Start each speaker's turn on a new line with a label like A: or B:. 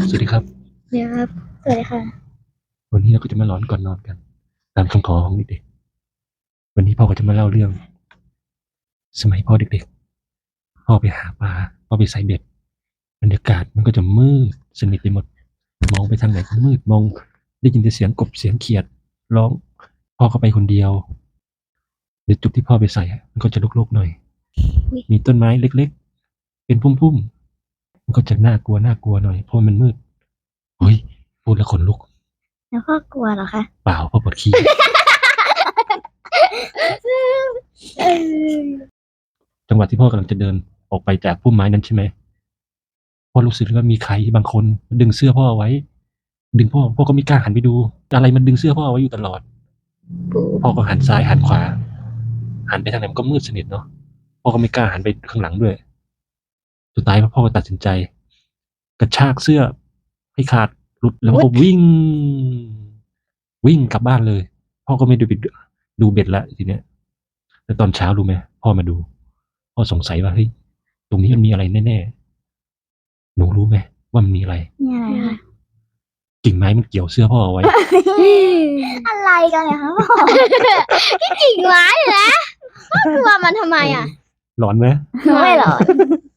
A: สวัสดีครับ
B: เดี๋ยวครับสวัสดีค่ะ
A: วันนี้เราก็จะมาหลอนก่อนนอนกันตามคำขอของเด็กๆวันนี้พ่อก็จะมาเล่าเรื่องสมัยพ่อเด็กๆพ่อไปหาปลาพ่อไปใส่เบ็ดบรรยากาศมันก็จะมืดสนิทไปหมดมองไปทางไหนก็มืดมองได้ยินแต่เสียงกบเสียงเขียดร้องพ่อก็ไปคนเดียวในจุดที่พ่อไปใส่มันก็จะรกๆหน่อยมีต้นไม้เล็กๆเป็นพุ่มๆมันก็จะน่ากลัวหน่อยเพราะมันมืดเฮ้ยพูดแล้วขนลุก
B: แล้วพ่อกลัวเหรอคะ
A: เปล่าพ่อปวดขี้ จังหวะที่พ่อกำลังจะเดินออกไปจากพุ่มไม้นั้นใช่ไหมพ่อรู้สึกว่ามีใครบางคนดึงเสื้อพ่อเอาไว้ดึงพ่อก็ไม่กล้าหันไปดูอะไรมันดึงเสื้อพ่อเอาไว้อยู่ตลอดพ่อก็หันซ้ายหันขวาหันไปทางไหนมันก็มืดสนิทเนาะพ่อก็ไม่กล้าหันไปข้างหลังด้วยสุดท้ายพ่อก็ตัดสินใจกระชากเสื้อให้ขาดหลุดแล้วก็วิ่งกลับบ้านเลยพ่อก็ไม่ดูเบ็ดละทีเนี้ยแล้วตอนเช้ารู้ไหมพ่อมาดูพ่อสงสัยว่าเฮ้ยตรงนี้มันมีอะไรแน่ๆหนูรู้ไหมว่ามันมีอะไร
B: นี่อะไรคะ
A: กิ่งไม้มันเกี่ยวเสื้อพ่อเอาไว้
B: อะไรกันเนี่ยคะพ่อที่กิ่งไม้นะพ่อกลัวมันทำไมอ่ะ
A: หลอนไหม
B: ไม่หรอก